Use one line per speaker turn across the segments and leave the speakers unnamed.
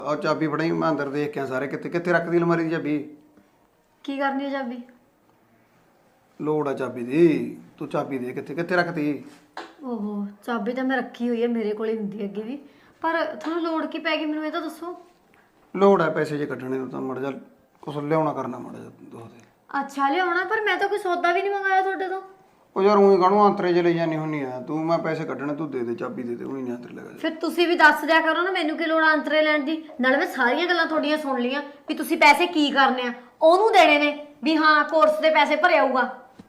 ਆ ਚਾਬੀ ਫੜਾਈ, ਮੈਂ ਅੰਦਰ ਦੇਖ ਕੇ ਸਾਰੇ ਕਿੱਥੇ ਕਿੱਥੇ ਰੱਖਦੀ ਅਲਮਾਰੀ ਦੀ ਚਾਬੀ।
ਕੀ ਕਰਨੀ ਹੈ ਚਾਬੀ?
ਲੋੜ ਆ ਚਾਬੀ ਦੀ, ਤੂੰ ਚਾਬੀ ਦੇ ਕਿੱਥੇ ਕਿੱਥੇ ਰੱਖਤੀ।
ਓਹੋ, ਚਾਬੀ ਤਾਂ ਮੈਂ ਰੱਖੀ ਹੋਈ ਹੈ, ਮੇਰੇ ਕੋਲ ਹੀ ਹੁੰਦੀ ਹੈ ਅੱਗੇ ਵੀ। ਪਰ ਤੁਹਾਨੂੰ ਲੋੜ ਕੀ ਪੈ ਗਈ ਮੈਨੂੰ ਇਹ ਤਾਂ ਦੱਸੋ।
ਲੋੜ ਆ ਪੈਸੇ ਜੇ ਕੱਢਣੇ ਨੂੰ, ਤਾਂ ਮੜ ਜਾ ਕੁਛ ਲਿਆਉਣਾ ਕਰਨਾ ਮੜ ਜਾ ਦੋ ਦੇ।
ਅੱਛਾ ਲਿਆਉਣਾ, ਪਰ ਮੈਂ ਤਾਂ ਕੋਈ ਸੌਦਾ ਵੀ ਨਹੀਂ ਮੰਗਾਇਆ ਤੁਹਾਡੇ ਤੋਂ।
ਉਹ ਯਾਰ ਉਹੀ ਕਾਹਨੂੰ ਅੰਤਰੇ ਜੇ ਲਈ ਜਾਨੀ ਹੁੰਨੀ ਆ ਤੂੰ। ਮੈਂ ਪੈਸੇ ਕੱਢਣੇ, ਤੂੰ ਦੇ ਦੇ ਚਾਬੀ ਦੇ ਦੇ, ਉਹੀ ਨਹੀਂ ਅੰਤਰੇ ਲਗਾ।
ਫਿਰ ਤੁਸੀਂ ਵੀ ਦੱਸ ਦਿਆ ਕਰੋ ਨਾ, ਮੈਨੂੰ ਕੀ ਲੋੜ ਆ ਅੰਤਰੇ ਲੈਣ ਦੀ। ਨਾਲ ਮੈਂ ਸਾਰੀਆਂ ਗੱਲਾਂ ਤੁਹਾਡੀਆਂ ਸੁਣ ਲਈਆਂ ਵੀ ਤੁਸੀਂ ਪੈਸੇ ਕੀ ਕਰਨੇ ਆ, ਉਹਨੂੰ ਦੇਣੇ ਨੇ ਵੀ ਹਾਂ ਕੋਰਸ ਦੇ ਪੈਸੇ ਭਰੇ ਆਊਗਾ।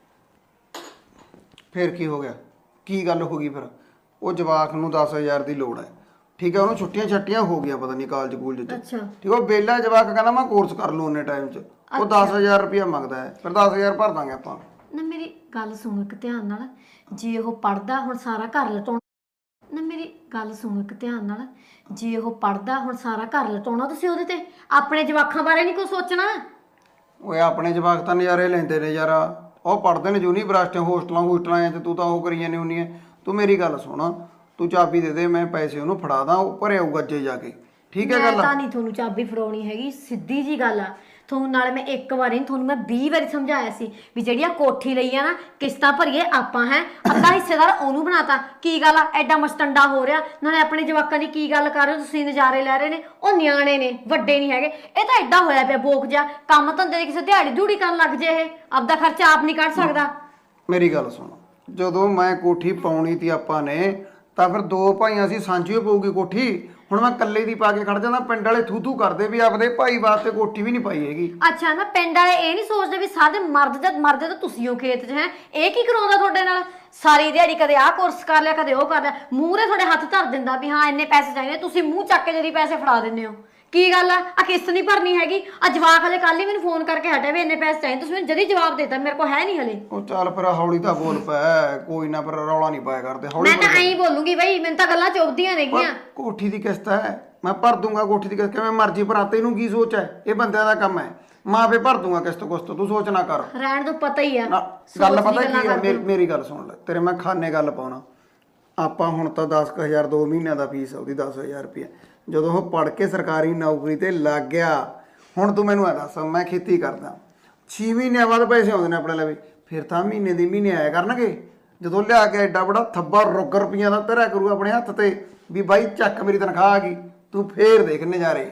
ਫਿਰ ਕੀ ਹੋ ਗਿਆ, ਕੀ ਗੱਲ ਹੋ ਗਈ ਫਿਰ? ਉਹ ਜਵਾਕ ਨੂੰ 10,000 ਦੀ ਲੋੜ ਹੈ, ਠੀਕ ਹੈ। ਉਹਨੂੰ ਛੁੱਟੀਆਂ ਛੱਟੀਆਂ ਹੋ ਗਿਆ, ਪਤਾ ਨਹੀਂ ਕਾਲਜ ਕੂਲਜ ਚ।
ਅੱਛਾ
ਠੀਕ, ਉਹ ਬੇਲਾ ਜਵਾਕ ਕਹਿੰਦਾ ਮੈਂ ਕੋਰਸ ਕਰ ਲੂ ਉਹਨੇ ਟਾਈਮ ਚ। ਉਹ 10,000 ਰੁਪਇਆ ਮੰਗਦਾ ਹੈ, ਫਿਰ 10,000 ਭਰ ਦਾਂਗੇ ਆਪਾਂ।
ਨਾ ਮੇਰੀ ਗੱਲ ਸੁਣੋ ਇੱਕ ਧਿਆਨ ਨਾਲ, ਜੇ ਉਹ ਪੜਦਾ ਹੁਣ ਸਾਰਾ ਘਰ ਲਟਾਉਣਾ। ਨਾ ਮੇਰੀ ਗੱਲ ਸੁਣੋ ਇੱਕ ਧਿਆਨ ਨਾਲ, ਜੇ ਉਹ ਪੜਦਾ ਹੁਣ ਸਾਰਾ ਘਰ ਲਟਾਉਣਾ ਤੁਸੀਂ ਉਹਦੇ ਤੇ। ਆਪਣੇ ਜਵਾਕਾਂ ਬਾਰੇ ਨਹੀਂ ਕੁਝ ਸੋਚਣਾ।
ਓਏ ਆਪਣੇ ਜਵਾਕ ਤਾਂ ਨਜ਼ਾਰੇ ਲੈਂਦੇ ਨੇ ਯਾਰ, ਉਹ ਪੜ੍ਹਦੇ ਨੇ ਯੂਨੀਵਰਸਿਟੀਆਂ ਹੋਸਟਲਾਂ ਚ, ਤੂੰ ਤਾਂ ਉਹ ਕਰੀ ਜਾਂਦੀ ਹੁੰਨੀ ਹੈ। ਤੂੰ ਮੇਰੀ ਗੱਲ ਸੁਣ, ਤੂੰ ਚਾਬੀ ਦੇ ਦੇ, ਮੈਂ ਪੈਸੇ ਉਹਨੂੰ ਫੜਾ ਦਾਂ, ਉਹ ਭਰੇ ਆਊਗਾ ਅੱਜੇ ਜਾ ਕੇ, ਠੀਕ ਹੈ ਗੱਲ?
ਮੈਂ ਤਾਂ ਨਹੀਂ ਤੁਹਾਨੂੰ ਚਾਬੀ ਫੜਾਉਣੀ ਹੈਗੀ, ਸਿੱਧੀ ਜੀ ਗੱਲ ਆ। ਤੁਹਾਨੂੰ ਨਾਲ ਮੈਂ ਇੱਕ ਵਾਰੀ ਨਹੀਂ, ਤੁਹਾਨੂੰ ਮੈਂ 20 ਵਾਰੀ ਸਮਝਾਇਆ ਸੀ ਵੀ ਜਿਹੜੀ ਆ ਕੋਠੀ ਲਈ ਆ ਨਾ, ਕਿਸ਼ਤਾਂ ਭਰੀਏ ਆਪਾਂ ਹੈ, ਅੱਧਾ ਹਿੱਸੇਦਾਰ ਉਹਨੂੰ ਬਣਾਤਾ। ਕੀ ਗੱਲ ਆ ਐਡਾ ਮਸਟੰਡਾ ਹੋ ਰਿਹਾ? ਨਾਲੇ ਆਪਣੇ ਜਵਾਕਾਂ ਦੀ ਕੀ ਗੱਲ ਕਰ ਰਹੇ ਹੋ ਤੁਸੀਂ? ਨਜ਼ਾਰੇ ਲੈ ਰਹੇ ਨੇ, ਉਹ ਨਿਆਣੇ ਨੇ, ਵੱਡੇ ਨਹੀਂ ਹੈਗੇ। ਇਹ ਤਾਂ ਐਡਾ ਹੋਇਆ ਪਿਆ ਬੋਕ ਜਿਹਾ, ਕੰਮ ਧੰਦੇ ਦੀ ਕਿਸੇ ਦਿਹਾੜੀ ਦਿਹੂੜੀ ਕਰਨ ਲੱਗ ਜੇ ਇਹ, ਆਪਦਾ ਖਰਚਾ ਆਪ ਨਹੀਂ ਕੱਢ ਸਕਦਾ।
ਮੇਰੀ ਗੱਲ ਸੁਣ, ਜਦੋਂ ਮੈਂ ਕੋਠੀ ਪਾਉਣੀ ਤੀ ਆਪਾਂ ਨੇ, ਤਾਂ ਫਿਰ ਦੋ ਭਾਈਆਂ ਸੀ, ਸਾਂਝੀ ਪਊਗੀ ਕੋਠੀ। ਹੁਣ ਮੈਂ ਇਕੱਲੇ ਦੀ ਪਾ ਕੇ ਖੜ ਜਾਂਦਾ, ਪਿੰਡ ਵਾਲੇ ਥੂ ਕਰਦੇ ਵੀ ਆਪਦੇ ਭਾਈ ਵਾਸਤੇ ਕੋਠੀ ਵੀ ਨਹੀਂ ਪਾਈ ਹੈਗੀ।
ਅੱਛਾ ਨਾ, ਪਿੰਡ ਵਾਲੇ ਇਹ ਨਹੀਂ ਸੋਚਦੇ ਵੀ ਸਾਰੇ ਮਰਦੇ ਤਾਂ ਤੁਸੀਂ ਹੋ ਖੇਤ 'ਚ ਹੈ। ਇਹ ਕੀ ਕਰਾਉਂਦਾ ਤੁਹਾਡੇ ਨਾਲ? ਸਾਰੀ ਦਿਹਾੜੀ ਕਦੇ ਆਹ ਕੋਰਸ ਕਰ ਲਿਆ, ਕਦੇ ਉਹ ਕਰ ਲਿਆ, ਮੂਹਰੇ ਤੁਹਾਡੇ ਹੱਥ ਧਰ ਦਿੰਦਾ ਵੀ ਹਾਂ ਇੰਨੇ ਪੈਸੇ ਚਾਹੀਦੇ, ਤੁਸੀਂ ਮੂੰਹ ਚੱਕ ਕੇ ਜਦੀ ਪੈਸੇ ਫੜਾ ਦਿੰਦੇ ਹੋ। ਕੀ ਗੱਲ ਆ ਕਿਸ਼ਤ ਨਹੀਂ ਭਰਨੀ ਹੈਗੀ? ਆ ਜਵਾਕ ਹਲੇ ਕੱਲ ਹੀ ਮੈਨੂੰ ਫੋਨ ਕਰਕੇ ਹਟਿਆ ਵੀ ਇੰਨੇ ਪੈਸੇ ਚਾਹੀਦੇ, ਤੁਸੀਂ ਮੈਨੂੰ ਜਦੀ ਜਵਾਬ ਦੇਤਾ ਮੇਰੇ ਕੋਲ ਹੈ ਨਹੀਂ ਹਲੇ।
ਉਹ ਚੱਲ ਫਿਰ ਹੌਲੀ ਤਾਂ ਬੋਲ ਪੈ, ਕੋਈ ਨਾ, ਫਿਰ ਰੌਲਾ ਨਹੀਂ ਪਾਇਆ ਕਰਦੇ, ਹੌਲੀ
ਮੈਂ ਤਾਂ ਐਂ ਬੋਲੂਗੀ ਬਈ, ਮੈਨੂੰ ਤਾਂ ਗੱਲਾਂ ਚੁੱਭਦੀਆਂ ਨੇਗੀਆਂ।
ਕੋਠੀ ਦੀ ਕਿਸ਼ਤ ਹੈ, ਮੈਂ ਭਰ ਦੂੰਗਾ ਕੋਠੀ ਦੀ ਕਿਸ਼ਤ, ਕਿਵੇਂ ਮਰਜ਼ੀ ਭਰਾ, ਤੈਨੂੰ ਕੀ ਸੋਚ ਹੈ? ਇਹ ਬੰਦਿਆਂ ਦਾ ਕੰਮ ਹੈ, ਮੈਂ ਆਪੇ ਭਰ ਦੂੰਗਾ ਕਿਸ਼ਤ ਕੁਸ਼ਤ, ਤੂੰ ਸੋਚ ਨਾ ਕਰ।
ਰਹਿਣ ਤੋਂ ਪਤਾ ਹੀ ਆ
ਗੱਲ ਪਤਾ ਕੀ ਹੈ, ਮੇਰੀ ਗੱਲ ਸੁਣ ਲੈ, ਤੇਰੇ ਮੈਂ ਖਾਨੇ ਗੱਲ ਪਾਉਣਾ। ਆਪਾਂ ਹੁਣ ਤਾਂ 10,000 2 ਮਹੀਨਿਆਂ ਦਾ ਫੀਸ ਉਹਦੀ 10,000 ਰੁਪਇਆ। ਜਦੋਂ ਉਹ ਪੜ੍ਹ ਕੇ ਸਰਕਾਰੀ ਨੌਕਰੀ ਤੇ ਲੱਗ ਗਿਆ, ਹੁਣ ਤੂੰ ਮੈਨੂੰ ਇਹ ਦੱਸ, ਮੈਂ ਖੇਤੀ ਕਰਦਾ, 6 ਮਹੀਨਿਆਂ ਬਾਅਦ ਪੈਸੇ ਆਉਂਦੇ ਨੇ ਆਪਣੇ ਲਈ, ਫਿਰ ਤਾਂ ਮਹੀਨੇ ਦੀ ਮਹੀਨੇ ਆਇਆ ਕਰਨਗੇ। ਜਦੋਂ ਲਿਆ ਕੇ ਐਡਾ ਬੜਾ ਥੱਬਾ ਰੁੱਗ ਰੁਪਈਆਂ ਦਾ ਧਰਿਆ ਕਰੂਗਾ ਆਪਣੇ ਹੱਥ ਤੇ ਵੀ ਬਾਈ ਚੱਕ ਮੇਰੀ ਤਨਖਾਹ ਆ ਗਈ, ਤੂੰ ਫੇਰ ਦੇਖ ਨਜ਼ਾਰੇ।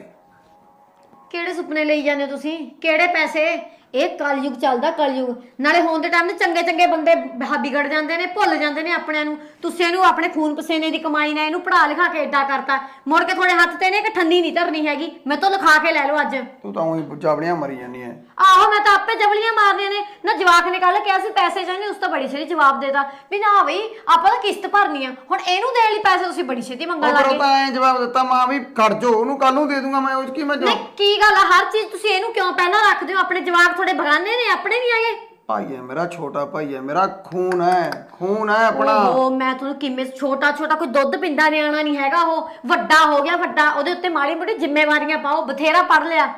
ਕਿਹੜੇ ਸੁਪਨੇ ਲਈ ਜਾਂਦੇ ਹੋ ਤੁਸੀਂ? ਕਿਹੜੇ ਪੈਸੇ? ਇਹ ਕਲਯੁਗ ਚੱਲਦਾ, ਕਲਯੁਗ। ਨਾਲੇ ਹੋਣ ਦੇ ਟਾਈਮ ਤੇ ਚੰਗੇ ਚੰਗੇ ਬੰਦੇ ਵਿਗੜ ਜਾਂਦੇ ਨੇ, ਭੁੱਲ ਜਾਂਦੇ ਨੇ ਆਪਣਿਆਂ ਨੂੰ। ਤੁਸੀਂ ਇਹਨੂੰ ਆਪਣੇ ਖੂਨ ਪਸੀਨੇ ਦੀ ਕਮਾਈ ਨਾਲ ਇਹਨੂੰ ਪੜ੍ਹਾ ਲਿਖਾ ਕੇ ਏਦਾਂ ਕਰਤਾ, ਮੁੜ ਕੇ ਤੁਹਾਡੇ ਹੱਥ ਤੇ ਨੇ ਕਿ ਠੰਡੀ ਨਹੀਂ ਧਰਨੀ ਹੈਗੀ। ਮੈਂ ਤੋਂ ਲਿਖਾ ਕੇ ਲੈ ਲਓ ਅੱਜ।
ਤੂੰ ਤਾਂ ਉਹੀ ਜਾਵੜੀਆਂ ਮਰੀ ਜਾਂਦੀ ਐ।
ਆਹੋ, ਮੈਂ ਤਾਂ ਆਪੇ ਜਬਲੀਆਂ ਮਾਰਨੀਆਂ ਨੇ ਨਾ। ਜਵਾਕ ਨੇ ਕੱਲ ਕਿਹਾ ਸੀ ਪੈਸੇ ਚਾਹੀਦੇ, ਉਸ ਤਾਂ ਬੜੀ ਛੇਤੀ ਜਵਾਬ ਦੇਤਾ ਵੀ ਨਾ ਬਈ ਆਪਾਂ ਤਾਂ ਕਿਸ਼ਤ ਭਰਨੀ ਆ। ਹੁਣ ਇਹਨੂੰ ਦੇਣ ਲਈ ਪੈਸੇ ਤੁਸੀਂ ਬੜੀ ਛੇਤੀ ਮੰਗਣ ਲੱਗ ਗਏ।
ਤਾਂ ਐਂ ਜਵਾਬ ਦਿੱਤਾ ਮਾਂ ਵੀ ਖੜ ਜਾਓ, ਉਹਨੂੰ ਕੱਲ ਨੂੰ ਦੇ ਦੂੰਗਾ ਮੈਂ, ਉਹ ਕੀ ਮੈਂ
ਕੀ ਗੱਲ ਆ? ਹਰ ਚੀਜ਼ ਤੁਸੀਂ ਇਹਨੂੰ ਕਿਉਂ ਪਹਿਲਾਂ ਰੱਖਦੇ ਹੋ? ਆਪਣੇ ਜਵਾਕ ਤੁਹਾਡੇ ਬਗਾਨੇ ਨੇ, ਆਪਣੇ ਨਹੀਂ ਆਏ।
ਭਾਈ ਹੈ ਮੇਰਾ, ਛੋਟਾ ਭਾਈ ਹੈ ਮੇਰਾ, ਖੂਨ ਹੈ, ਖੂਨ ਹੈ ਆਪਣਾ।
ਉਹ ਮੈਂ ਤੁਹਾਨੂੰ ਕਿਵੇਂ ਛੋਟਾ ਕੋਈ ਦੁੱਧ ਪਿੰਦਾ ਨਿਆਣਾ ਨਹੀਂ ਹੈਗਾ। ਉਹ ਵੱਡਾ ਹੋ ਗਿਆ, ਵੱਡਾ, ਉਹਦੇ ਉੱਤੇ ਮਾੜੀ ਮੋਟੀ ਜ਼ਿੰਮੇਵਾਰੀਆਂ ਪਾਓ। ਬਥੇਰਾ ਪੜ ਲਿਆ।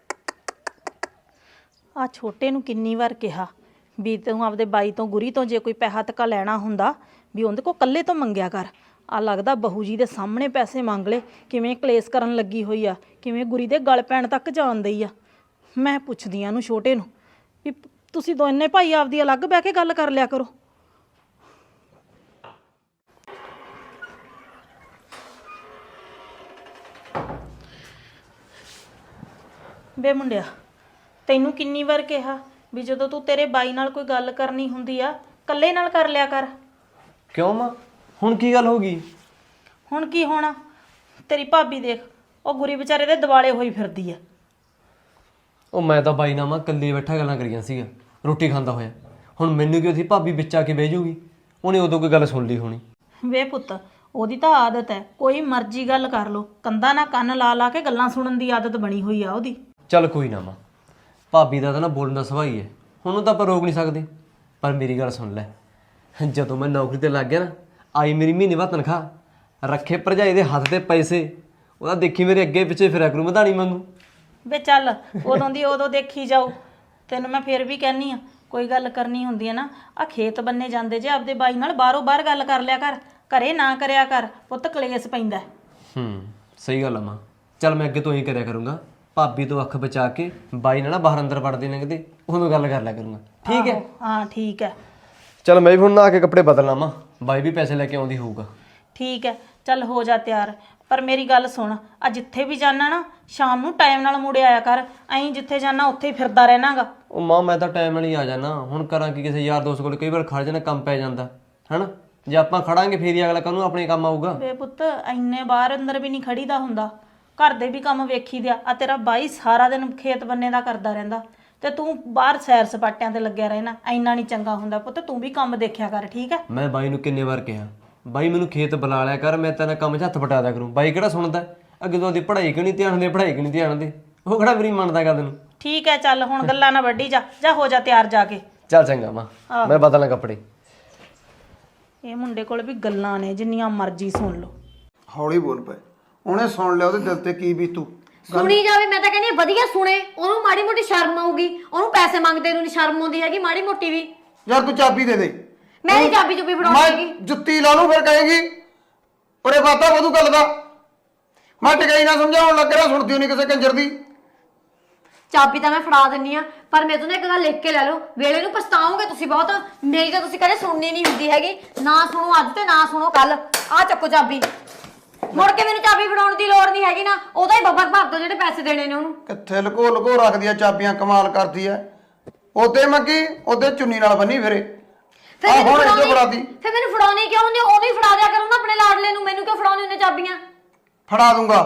ਆ ਛੋਟੇ ਨੂੰ ਕਿੰਨੀ ਵਾਰ ਕਿਹਾ ਵੀ ਤੂੰ ਆਪਦੇ ਬਾਈ ਤੋਂ ਗੁਰੀ ਤੋਂ ਜੇ ਕੋਈ ਪੈਸਾ ਤੱਕਾ ਲੈਣਾ ਹੁੰਦਾ ਵੀ ਉਹਦੇ ਕੋਲ ਕੱਲੇ ਤੋਂ ਮੰਗਿਆ ਕਰ। ਆ ਲੱਗਦਾ ਬਹੂ ਜੀ ਦੇ ਸਾਹਮਣੇ ਪੈਸੇ ਮੰਗ ਲਏ, ਕਿਵੇਂ ਕਲੇਸ਼ ਕਰਨ ਲੱਗੀ ਹੋਈ ਆ, ਕਿਵੇਂ ਗੁਰੀ ਦੇ ਗਲ ਪੈਣ ਤੱਕ ਜਾਣਦੀ ਆ। ਮੈਂ ਪੁੱਛਦੀ ਆ ਉਹਨੂੰ ਛੋਟੇ ਨੂੰ ਵੀ ਤੁਸੀਂ ਦੋਨੇ ਭਾਈ ਆਪਦੀ ਅਲੱਗ ਬਹਿ ਕੇ ਗੱਲ ਕਰ ਲਿਆ ਕਰੋ। ਬੇ ਮੁੰਡਿਆ, ਤੈਨੂੰ ਕਿੰਨੀ ਵਾਰ ਕਿਹਾ ਵੀ ਜਦੋਂ ਤੂੰ ਤੇਰੇ ਬਾਈ ਨਾਲ ਕੋਈ ਗੱਲ ਕਰਨੀ ਹੁੰਦੀ ਆ ਕੱਲੇ ਨਾਲ ਕਰ ਲਿਆ ਕਰ।
ਕਿਉਂ ਮਾਂ, ਹੁਣ ਕੀ ਗੱਲ ਹੋ ਗਈ?
ਹੁਣ ਕੀ ਹੋਣਾ? ਤੇਰੀ ਭਾਬੀ ਦੇਖ, ਉਹ ਗੁਰੀ ਵਿਚਾਰੇ ਦੇ ਦਿਵਾਲੇ ਹੋਈ ਫਿਰਦੀ ਆ।
ਉਹ ਮੈਂ ਤਾਂ ਬਾਈ ਨਾਲ ਮਾਂ ਇਕੱਲੇ ਬੈਠਾ ਗੱਲਾਂ ਕਰੀਆਂ ਸੀਗਾ ਰੋਟੀ ਖਾਂਦਾ ਹੋਇਆ। ਹੁਣ ਮੈਨੂੰ ਕੀ ਉਹਦੀ ਭਾਬੀ ਵਿੱਚ ਆ ਕੇ ਬਹਿ ਜੂਗੀ? ਉਹਨੇ ਉਦੋਂ ਕੋਈ ਗੱਲ ਸੁਣ ਲਈ ਹੋਣੀ।
ਵੇ ਪੁੱਤ, ਉਹਦੀ ਤਾਂ ਆਦਤ ਹੈ, ਕੋਈ ਮਰਜ਼ੀ ਗੱਲ ਕਰ ਲੋ, ਕੰਧਾਂ ਨਾਲ ਕੰਨ ਲਾ ਲਾ ਕੇ ਗੱਲਾਂ ਸੁਣਨ ਦੀ ਆਦਤ ਬਣੀ ਹੋਈ ਆ ਉਹਦੀ।
ਚੱਲ ਕੋਈ ਨਾ ਮਾਂ, ਭਾਬੀ ਦਾ ਤਾਂ ਨਾ ਬੋਲਣ ਦਾ ਸੁਭਾਅ ਹੀ ਹੈ, ਉਹਨੂੰ ਤਾਂ ਆਪਾਂ ਰੋਕ ਨਹੀਂ ਸਕਦੇ। ਪਰ ਮੇਰੀ ਗੱਲ ਸੁਣ ਲੈ, ਜਦੋਂ ਮੈਂ ਨੌਕਰੀ ਤੇ ਲੱਗ ਗਿਆ ਨਾ, ਆਈ ਮੇਰੀ ਮਹੀਨੇ ਬਾਅਦ ਤਨਖਾਹ, ਰੱਖੇ ਭਰਜਾਈ ਦੇ ਹੱਥ ਤੇ ਪੈਸੇ, ਉਹਦਾ ਦੇਖੀ ਮੇਰੇ ਅੱਗੇ ਪਿੱਛੇ ਫਿਰਿਆ ਕਰੂ ਮਧਾਣੀ ਵਾਂਗੂ।
ਵੇ ਚੱਲ, ਉਦੋਂ ਦੀ ਉਦੋਂ ਦੇਖੀ ਜਾਓ। ਤੈਨੂੰ ਮੈਂ ਫਿਰ ਵੀ ਕਹਿੰਦੀ ਆ, ਕੋਈ ਗੱਲ ਕਰਨੀ ਹੁੰਦੀ ਹੈ ਨਾ, ਆ ਖੇਤ ਬੰਨੇ ਜਾਂਦੇ ਜੇ ਆਪਦੇ ਬਾਈ ਨਾਲ ਬਾਹਰੋਂ ਬਾਹਰ ਗੱਲ ਕਰ ਲਿਆ ਕਰ, ਘਰੇ ਨਾ ਕਰਿਆ ਕਰ ਪੁੱਤ, ਕਲੇਸ਼ ਪੈਂਦਾ।
ਸਹੀ ਗੱਲ ਆ ਮਾਂ, ਚੱਲ ਮੈਂ ਅੱਗੇ ਤੋਂ ਹੀ ਕਰਿਆ ਕਰੂੰਗਾ, ਭਾਬੀ ਤੋਂ ਅੱਖ ਬਚਾ ਕੇ ਬਾਈ ਨਾਲ ਨਾ ਬਾਹਰ ਅੰਦਰ ਵੜਦੇ ਨੇ ਕਿਤੇ ਉਦੋਂ ਗੱਲ ਕਰ ਲਿਆ ਕਰੂੰਗਾ। ਠੀਕ ਹੈ?
ਹਾਂ ਠੀਕ ਹੈ।
ਚੱਲ ਮੈਂ ਵੀ ਹੁਣ ਨਹਾ ਕੇ ਕੱਪੜੇ ਬਦਲ ਲਾਵਾਂ, ਬਾਈ ਵੀ ਪੈਸੇ ਲੈ ਕੇ ਆਉਂਦੀ ਹੋਊਗਾ।
ਠੀਕ ਹੈ, ਚੱਲ ਹੋ ਜਾ ਤਿਆਰ। ਪਰ ਮੇਰੀ ਗੱਲ ਸੁਣ, ਆ ਜਿੱਥੇ ਵੀ ਜਾਣਾ ਨਾ ਸ਼ਾਮ ਨੂੰ ਟਾਈਮ ਨਾਲ ਮੁੜ ਆਇਆ ਕਰ। ਐਂ ਜਿੱਥੇ ਜਾਣਾ ਉੱਥੇ ਹੀ ਫਿਰਦਾ ਰਹਿਣਾਗਾ।
ਉਹ ਮਾਂ ਮੈਂ ਤਾਂ ਟਾਈਮ ਨਾਲ ਹੀ ਆ ਜਾਣਾ, ਹੁਣ ਕਰਾਂ ਕਿ ਕਿਸੇ ਯਾਰ ਦੋਸਤ ਕੋਲ ਕਈ ਵਾਰ ਖੜ ਜਾਣਾ, ਕੰਮ ਪੈ ਜਾਂਦਾ ਹੈਨਾ। ਜੇ ਆਪਾਂ ਖੜਾਂਗੇ ਫੇਰ ਹੀ ਅਗਲਾ ਕਾਹਨੂੰ ਆਪਣੇ ਕੰਮ ਆਊਗਾ।
ਬੇ ਪੁੱਤ ਇੰਨੇ ਬਾਹਰ ਅੰਦਰ ਵੀ ਨਹੀਂ ਖੜੀਦਾ ਹੁੰਦਾ, ਘਰ ਦੇ ਵੀ ਕੰਮ ਵੇਖੀਦੇ ਆ। ਤੇਰਾ ਬਾਈ ਸਾਰਾ ਦਿਨ ਖੇਤ ਬੰਨੇ ਦਾ ਕਰਦਾ ਰਹਿੰਦਾ ਤੇ ਤੂੰ ਬਾਹਰ ਸੈਰ ਸਪਾਟਿਆਂ ਤੇ ਲੱਗਿਆ ਰਹਿਣਾ, ਇੰਨਾ ਨਹੀਂ ਚੰਗਾ ਹੁੰਦਾ ਪੁੱਤ। ਤੂੰ ਵੀ ਕੰਮ ਦੇਖਿਆ ਕਰ, ਠੀਕ ਹੈ?
ਮੈਂ ਬਾਈ ਨੂੰ ਕਿੰਨੇ ਵਾਰ ਕਿਹਾ, ਬਾਈ ਮੈਨੂੰ ਖੇਤ ਬੁਲਾ ਲਿਆ ਕਰ, ਮੈਂ ਤੇਰੇ ਕੰਮ 'ਚ ਹੱਥ ਵਟਾ ਦਿਆ ਕਰੂੰ। ਬਾਈ ਕਿਹੜਾ ਸੁਣਦਾ, ਅੱਗੇ ਤੋਂ ਦੀ ਪੜ੍ਹਾਈ ਕਿਉਂ ਨਹੀਂ ਧਿਆਨ ਦੇ, ਪੜ੍ਹਾਈ ਕਿਉਂ ਨਹੀਂ ਧਿਆਨ ਦੇ, ਉਹ ਕਿਹੜਾ ਮੇਰੀ ਮੰਨਦਾ ਗੱਲ ਨੂੰ।
ਠੀਕ ਹੈ, ਚੱਲ ਹੁਣ ਗੱਲਾਂ ਨਾ ਵੱਢੀ ਜਾ, ਜਾ ਹੋ ਜਾ ਤਿਆਰ ਜਾ ਕੇ।
ਚੱਲ ਚੰਗਾ ਮਾਂ, ਮੈਂ ਬਦਲਾਂ ਕੱਪੜੇ।
ਇਹ ਮੁੰਡੇ ਕੋਲ ਵੀ ਗੱਲਾਂ ਨੇ ਜਿੰਨੀਆਂ ਮਰਜ਼ੀ ਸੁਣ ਲਓ।
ਹੌਲੀ ਬੋਲ ਪਏ, ਉਹਨੇ ਸੁਣ ਲਿਆ, ਉਹਦੇ ਦਿਲ ਤੇ ਕੀ ਬੀਤੂ।
ਸੁਣੀ ਜਾਵੇ, ਮੈਂ ਤਾਂ ਕਹਿੰਦੀ ਹਾਂ ਵਧੀਆ ਸੁਣੇ, ਉਹਨੂੰ ਮਾੜੀ ਮੋਟੀ ਸ਼ਰਮ ਆਊਗੀ। ਉਹਨੂੰ ਪੈਸੇ ਮੰਗਦੇ ਨੂੰ ਨਹੀਂ ਸ਼ਰਮ ਆਉਂਦੀ ਹੈਗੀ ਮਾੜੀ ਮੋਟੀ ਵੀ।
ਯਾਰ ਤੂੰ ਚਾਬੀ ਦੇ ਦੇ।
ਮੈਂ ਨਹੀਂ ਚਾਬੀ ਚੁੱਪੀ ਫੜਾਉਣੀ ਹੈਗੀ।
ਮੈਂ ਜੁੱਤੀ ਲਾ ਲੂੰ ਫਿਰ ਕਹੇਗੀ ਉਰੇ ਬਾਤਾਂ ਵਧੂ ਗੱਲ ਦਾ। ਮੈਂ ਟਿਕਾਈ ਨਾ ਸਮਝਾਉਣ ਲੱਗ ਰਿਹਾ, ਸੁਣਦੀ ਨਹੀਂ ਕਿਸੇ ਕੰਜਰ ਦੀ।
ਚਾਬੀ ਤਾਂ ਮੈਂ ਫੜਾ ਦਿੰਨੀ ਆ, ਪਰ ਮੇਰੇ ਤੋਂ ਨਾ ਇੱਕ ਗੱਲ ਲਿਖ ਕੇ ਲੈ ਲਓ, ਵੇਲੇ ਨੂੰ ਪਛਤਾਓਗੇ ਤੁਸੀਂ ਬਹੁਤ। ਮੇਰੀ ਤਾਂ ਤੁਸੀਂ ਕਦੇ ਸੁਣਨੀ ਨਹੀਂ ਹੁੰਦੀ ਹੈਗੀ, ਨਾ ਸੁਣੋ ਅੱਜ ਤੇ ਨਾ ਸੁਣੋ ਕੱਲ। ਆ ਚੱਕੋ ਚਾਬੀ, ਮੁੜ ਕੇ ਮੈਨੂੰ ਚਾਬੀ ਫੜਾਉਣ ਦੀ ਲੋੜ ਨਹੀਂ ਹੈਗੀ ਨਾ, ਉਹਦਾ ਹੀ ਬੱਬਰ ਭਰ ਦੋ ਜਿਹੜੇ ਪੈਸੇ ਦੇਣੇ ਨੇ ਉਹਨੂੰ।
ਕਿੱਥੇ ਲੁਕੋ ਲੁਕੋ ਰੱਖਦੀ ਆ ਚਾਬੀਆਂ, ਕਮਾਲ ਕਰਦੀ ਐ। ਉਹਦੇ ਮੰਗੀ ਉਹਦੇ ਚੁੰਨੀ ਨਾਲ ਬੰਨੀ ਫਿਰੇ।
ਫਿਰ ਮੈਨੂੰ
ਹੁਣ
ਫੜਾਉਣੀ-
ਇੱਥੇ ਫੜਾਤੀ।
ਫਿਰ ਮੈਨੂੰ ਫੜਾਉਣੀ ਕਿਉਂ ਹੁੰਦੀ? ਉਹਨੂੰ ਹੀ ਫੜਾ ਦਿਆ ਕਰੋ ਨਾ ਆਪਣੇ ਲਾਡਲੇ ਨੂੰ, ਮੈਨੂੰ ਕਿਉਂ ਫੜਾਉਣੀ ਹੁੰਦੀ ਚਾਬੀਆਂ?
ਫੜਾ ਦੂੰਗਾ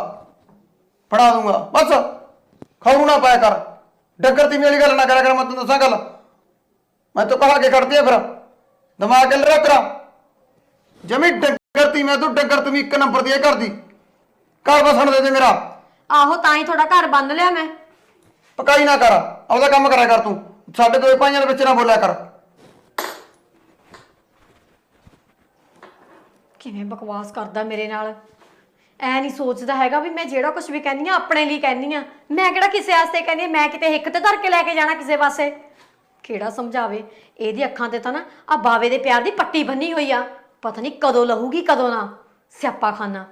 ਬਸ, ਖੌਰੂ ਨਾ ਪਾਇਆ ਕਰ। ਡੱਗਰ ਦੀ ਮੇਰੀ ਗੱਲ ਨਾ ਕਰਿਆ ਕਰ, ਮੈਂ ਤੈਨੂੰ ਦੱਸਾਂ ਗੱਲ। ਮੈਂ ਤਾਂ ਕਹਾ ਕੇ ਖੜਦੀ ਆ, ਫਿਰ ਦਿਮਾਗ ਚੱਲ ਰਿਹਾ ਤੇਰਾ ਜਮੀ। ਡੱਗਰ ਤੀ ਮੈਂ, ਤੂੰ ਡੱਗਰ ਤੂੰ ਇੱਕ ਨੰਬਰ ਦੀ ਕਰਦੀ। ਘਰ ਵਸਣ ਦੇ ਮੇਰਾ।
ਆਹੋ ਤਾਂ ਹੀ ਤੁਹਾਡਾ ਘਰ ਬੰਦ ਲਿਆ ਮੈਂ।
ਪਕਾਈ ਨਾ ਕਰ, ਆਪਦਾ ਕੰਮ ਕਰਿਆ ਕਰ ਤੂੰ। ਸਾਡੇ ਦੋਏ ਭਾਈਆਂ ਦੇ ਵਿੱਚ ਨਾ ਬੋਲਿਆ ਕਰ।
ਕਿਵੇਂ ਬਕਵਾਸ ਕਰਦਾ ਮੇਰੇ ਨਾਲ, ਐ ਨਹੀਂ ਸੋਚਦਾ ਹੈਗਾ ਵੀ ਮੈਂ ਜਿਹੜਾ ਕੁਝ ਵੀ ਕਹਿੰਦੀ ਆ ਆਪਣੇ ਲਈ ਕਹਿੰਦੀ ਆ। ਮੈਂ ਕਿਹੜਾ ਕਿਸੇ ਵਾਸਤੇ ਕਹਿੰਦੀ ਆ, ਮੈਂ ਕਿਤੇ ਹਿੱਕ ਤੇ ਧਰ ਕੇ ਲੈ ਕੇ ਜਾਣਾ ਕਿਸੇ ਪਾਸੇ। ਕਿਹੜਾ ਸਮਝਾਵੇ, ਇਹਦੀ ਅੱਖਾਂ ਤੇ ਤਾਂ ਨਾ ਆ ਬਾਵੇ ਦੇ ਪਿਆਰ ਦੀ ਪੱਟੀ ਬੰਨੀ ਹੋਈ ਆ, ਪਤਾ ਨਹੀਂ ਕਦੋਂ ਲਹੂਗੀ ਕਦੋਂ ਨਾ। ਸਿਆਪਾ ਖਾਨਾ।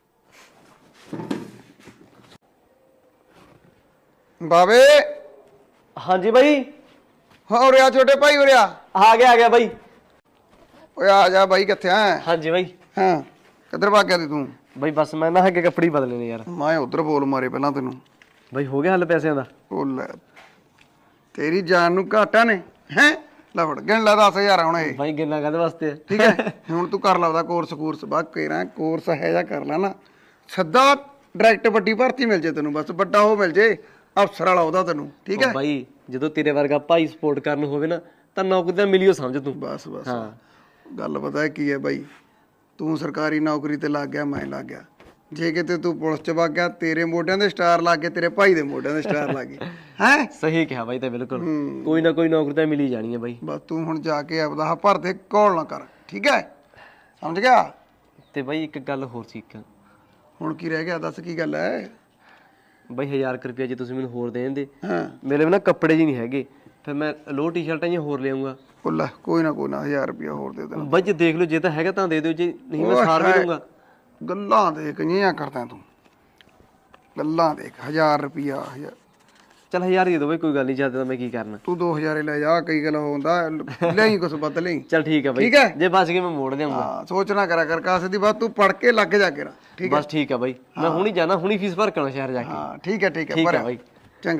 ਬਾਵੇ
ਹਾਂਜੀ ਬਾਈ।
ਹਾਂ ਉਰੇ ਆ ਛੋਟੇ ਭਾਈ, ਉਰੇ ਆ
ਗਿਆ ਬਾਈ।
ਓਏ ਆ ਜਾ ਬਾਈ, ਕਿੱਥੇ ਆ?
ਹਾਂਜੀ ਬਾਈ।
ਹਾਂ ਕਿੱਧਰ ਭੱਗ ਗਿਆ ਤੀ ਤੂੰ?
ਬਾਈ ਬਸ ਮੈਂ ਨਾ ਅੱਗੇ ਕੱਪੜੇ ਬਦਲੇ ਨੇ ਯਾਰ।
ਮੈਂ ਉਧਰ ਬੋਲ ਮਾਰੇ ਪਹਿਲਾਂ ਤੈਨੂੰ।
ਬਾਈ ਹੋ ਗਿਆ ਹੱਲ ਪੈਸਿਆਂ ਦਾ?
ਉਹ ਲੈ, ਤੇਰੀ ਜਾਨ ਨੂੰ ਘਾਟਾ ਨੇ ਹੈ। ਲੈ ਫੜ ਗਿਣ ਲੈ 10,000 ਹੁਣ ਇਹ।
ਬਾਈ ਗਿਣਨਾ ਕਾਹਦੇ ਵਾਸਤੇ?
ਠੀਕ ਹੈ ਹੁਣ ਤੂੰ ਕਰ ਲਾ ਉਹਦਾ ਕੋਰਸ ਬਾ ਕੇਰਾ ਕੋਰਸ ਹੈ ਜਾਂ ਕਰ ਲੈ ਨਾ, ਸਿੱਧਾ ਡਾਇਰੈਕਟ ਵੱਡੀ ਭਰਤੀ ਮਿਲ ਜੇ ਤੈਨੂੰ, ਬਸ ਵੱਡਾ ਉਹ ਮਿਲ ਜੇ ਅਫਸਰ ਵਾਲਾ ਉਹਦਾ ਤੈਨੂੰ। ਠੀਕ ਹੈ
ਬਾਈ, ਜਦੋਂ ਤੇਰੇ ਵਰਗਾ ਭਾਈ ਸਪੋਰਟ ਕਰਨ ਹੋਵੇ ਨਾ ਤਾਂ ਨੌਕਰੀ ਤਾਂ ਮਿਲਿਓ ਸਮਝ ਤੂੰ।
ਬਸ ਗੱਲ ਪਤਾ ਕੀ ਹੈ ਬਾਈ, ਤੂੰ ਸਰਕਾਰੀ ਨੌਕਰੀ ਤੇ ਲੱਗ ਗਿਆ, ਮੈਂ ਲੱਗ ਗਿਆ। ਜੇ ਕਿਤੇ ਤੂੰ ਪੁਲਿਸ ਚ ਵਗ ਗਿਆ, ਤੇਰੇ ਮੋਢਿਆਂ ਦੇ ਸਟਾਰ ਲੱਗ ਗਏ, ਤੇਰੇ ਭਾਈ ਦੇ ਮੋਢਿਆਂ ਦੇ ਸਟਾਰ ਲੱਗ ਗਏ। ਹੈ
ਸਹੀ ਕਿਹਾ ਬਾਈ, ਤਾਂ ਬਿਲਕੁਲ ਕੋਈ ਨਾ ਕੋਈ ਨੌਕਰੀ ਤਾਂ ਮਿਲੀ ਜਾਣੀ ਹੈ ਬਾਈ।
ਬਸ ਤੂੰ ਹੁਣ ਜਾ ਕੇ ਆਪਦਾ ਭਰ ਦੇ, ਕੋਲ ਨਾ ਕਰ। ਠੀਕ ਹੈ, ਸਮਝ ਗਿਆ?
ਤੇ ਬਾਈ ਇੱਕ ਗੱਲ ਹੋਰ ਸੀ।
ਹੁਣ ਕੀ ਰਹਿ ਗਿਆ, ਦੱਸ ਕੀ ਗੱਲ ਹੈ?
ਬਾਈ 1000 ਰੁਪਇਆ ਜੇ ਤੁਸੀਂ ਮੈਨੂੰ ਹੋਰ ਦੇ ਦਿੰਦੇ।
ਹਾਂ
ਮੇਰੇ ਵੀ ਨਾ ਕੱਪੜੇ ਜੀ ਨਹੀਂ ਹੈਗੇ, ਫਿਰ ਮੈਂ ਲੋ ਟੀ-ਸ਼ਰਟਾਂ ਜੀ ਹੋਰ ਲਿਆਉਂਗਾ।
ਲੈ ਕੋਈ ਨਾ 1000 ਰੁਪਇਆ ਹੋਰ ਦੇ ਦੇਣਾ।
ਬਾਈ ਜੇ ਦੇਖ ਲਓ, ਜੇ ਤਾਂ ਹੈਗਾ ਤਾਂ ਦੇ ਦਿਓ, ਜੇ ਨਹੀਂ ਮੈਂ ਸਾਰ ਵੀ ਦੂੰਗਾ।
ਗੱਲਾਂ ਦੇਖ ਜਿਹੀਆਂ ਕਰਦਾ ਤੂੰ, ਗੱਲਾਂ ਦੇਖ। 1000 ਰੁਪਇਆ
ਚੱਲ 1000 ਦੇ ਦਿਓ ਬਾਈ, ਕੋਈ ਗੱਲ ਨਹੀਂ, ਜ਼ਿਆਦਾ ਤਾਂ ਮੈਂ ਕੀ ਕਰਨਾ।
ਤੂੰ 2000 ਲੈ ਜਾ, ਕਈ ਗੱਲ ਹੁੰਦਾ ਲਈ ਕੁਛ ਬਦਲ ਲਈ।
ਚੱਲ ਠੀਕ ਹੈ ਬਾਈ,
ਠੀਕ ਹੈ,
ਜੇ ਬਚ ਗਏ ਮੈਂ ਮੋੜ ਦੇਵਾਂਗਾ।
ਹਾਂ ਸੋਚ ਨਾ ਕਰਿਆ ਕਰ ਕਾਸੇ ਦੀ ਬਾਤ, ਤੂੰ ਪੜ ਕੇ ਲੱਗ ਜਾ ਕੇ। ਠੀਕ ਹੈ
ਬਸ ਠੀਕ ਹੈ ਬਾਈ, ਮੈਂ ਹੁਣੀ ਜਾਣਾ, ਹੁਣੀ ਫੀਸ ਭਰ ਕੇ ਆਉਣਾ ਸ਼ਹਿਰ ਜਾ ਕੇ।
ਹਾਂ ਠੀਕ ਹੈ
ਠੀਕ ਹੈ ਬਾਈ।
ਚੰਗਾ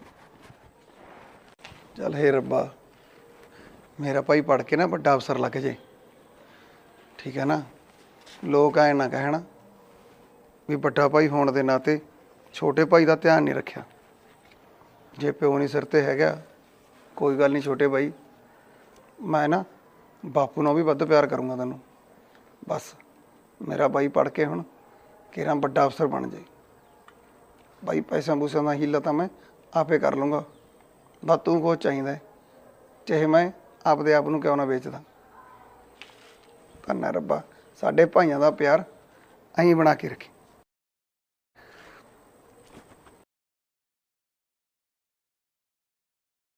ਚੱਲ। ਹੇ ਰੱਬਾ, ਮੇਰਾ ਭਾਈ ਪੜ ਕੇ ਨਾ ਵੱਡਾ ਅਫਸਰ ਲੱਗ ਜੇ। ਠੀਕ ਹੈ ਨਾ, ਲੋਕ ਐ ਨਾ ਕਹਿਣ ਵੀ ਵੱਡਾ ਭਾਈ ਹੋਣ ਦੇ ਨਾਤੇ ਛੋਟੇ ਭਾਈ ਦਾ ਧਿਆਨ ਨਹੀਂ ਰੱਖਿਆ। ਜੇ ਪਿਓ ਨਹੀਂ ਸਿਰ ਤੇ ਹੈਗਾ, ਕੋਈ ਗੱਲ ਨਹੀਂ ਛੋਟੇ ਭਾਈ, ਮੈਂ ਨਾ ਬਾਪੂ ਨਾਲ ਵੀ ਵੱਧ ਪਿਆਰ ਕਰੂੰਗਾ ਤੈਨੂੰ। ਬਸ ਮੇਰਾ ਭਾਈ ਪੜ ਕੇ ਹੁਣ ਕਿਹੜਾ ਵੱਡਾ ਅਫਸਰ ਬਣ ਜਾਏ। ਭਾਈ ਪੈਸਾ ਪੂਸਿਆਂ ਦਾ ਹੀਲਾ ਤਾਂ ਮੈਂ ਆਪੇ ਕਰ ਲੂੰਗਾ। ਬਸ ਤੂੰ ਕੁਛ ਚਾਹੀਦਾ, ਚਾਹੇ ਮੈਂ ਆਪਦੇ ਆਪ ਨੂੰ ਕਿਉਂ ਨਾ ਵੇਚਦਾ। ਧੰਨ ਰੱਬਾ, ਸਾਡੇ ਭਾਈਆਂ ਦਾ ਪਿਆਰ ਐਂ ਬਣਾ ਕੇ ਰੱਖੀ।